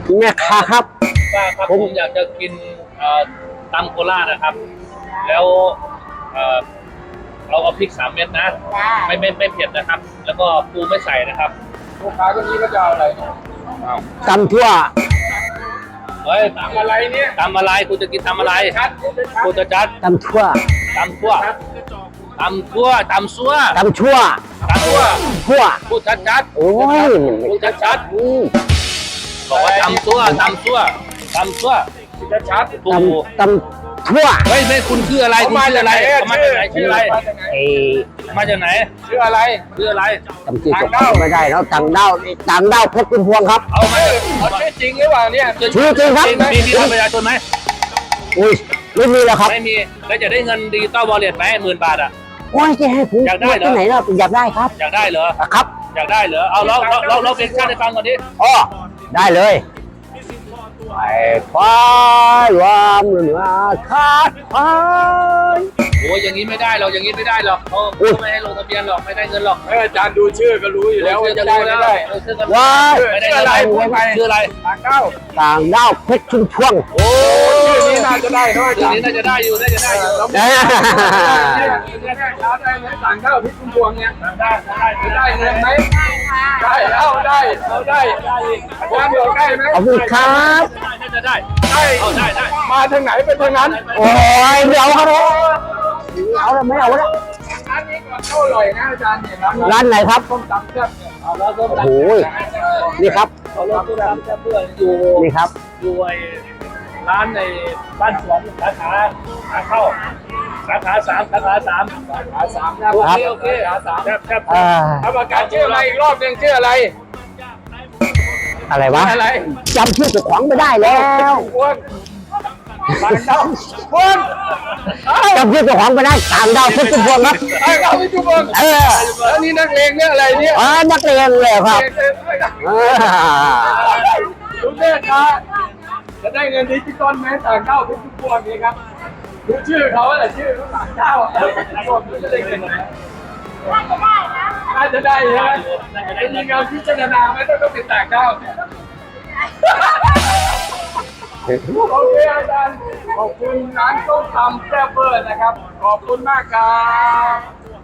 แม่ค้าครับป้าครับผมอยากจะกินตำโคราชนะครับ แล้วเราเอาพริก3 เม็ดนะไม่เผ็ดนะครับ แล้วก็ปูไม่ใส่นะครับลูกค้าคนนี้ก็จะเอาอะไรตำทั่วเฮ้ยตำอะไรเนี่ยตำอะไรคุณจะกินตำอะไรคุณจะจัดตำทั่วตำทั่วตำทั่วตำซัวตำชั่วตำทั่วทั่วพูดชัดๆโอ้ยพูดชัดๆบอกว่าตำซั่วตำซั่วตำซั่วชัดๆปูตำทั่วไม่คุณคืออะไรคุณชื่ออะไรมาจากไหนชื่ออะไรมาจากไหนชื่ออะไรจำชื่อเจ้าของไม่ได้แล้วต่างด้าวเพชรคุณพวงครับเอาชื่อจริงหรือเปล่าเนี่ยชื่อจริงครับมีบัตรประชาชนไหมอุ้ยไม่มีแล้วครับไม่มีแล้วจะได้เงินดิจิตอลวอลเล็ตไหม10,000 บาทอ่ะโอ้ยจะให้ผมอยากได้เหรอที่ไหนเราอยากได้ครับอยากได้เหรอครับอยากได้เหรอเอาเราเพลงชาติให้ฟังก่อนดิอ๋อได้เลยไปฟ้าวามเหนือคาดฟ้าโอ้ยอย่างนี้ไม่ได้หรอกอย่างนี้ไม่ได้หรอกเขาไม่ให้ลงทะเบียนหรอกไม่ได้เงินหรอกอาจารย์ดูชื่อก็รู้อยู่แล้วว่าจะได้ไม่ได้ว้าไม่ได้อะไรชื่ออะไรต่างด้าวเพชรชุมพวงโอ้ชื่อนี้น่าจะได้ชื่อนี้น่าจะได้อยู่ต่างด้าวเพชรชุมพวงเนี่ยได้เงินไหมได้เอาได้อาจารย์บอกได้ไหมขอบคุณครับน่าจะได้มาทางไหนไปทางนั้นโอ้ยเดี๋ยวครับเอาแล้วไม่เอาแล้วร้านนี้ก็อร่อยนะอาจารย์เนี่ยร้านไหนครับต้มตำแซ่บเนี่ยโอ้ยนี่ครับเอารถตู้รับแค่เพื่อนอยู่นี่ครับอยู่ไอ้ร้านในบ้านสวนสาขาเข้าสาขา3โอเคแซ่บทำอาการชื่ออะไรอีกรอบหนึ่งชื่ออะไรวะจำชื่อเจ้าของไม่ได้แล้วต่างดาวจำชื่อเจ้าของไม่ได้ต่างดาวเพชรชุมพวงครับต่างดาวเพชรชุมพวงแล้วนี่นักเลงเนี่ยอะไรเนี่ยนักเรียนเลยครับดูเด็กนะจะได้เงินดิจิตอลไหมต่างดาวเพชรชุมพวงนี่ครับดูชื่อเขาอะไรชื่อเขาต่างดาวจะได้เงินไหมน่าจะได้ใช่ไหมมีงานพิจารณาไหมต้องเป็นต่างดาวโอเคอาจารย์ขอบคุณร้านต้มตำแซ่บเบอร์นะครับขอบคุณมากครับ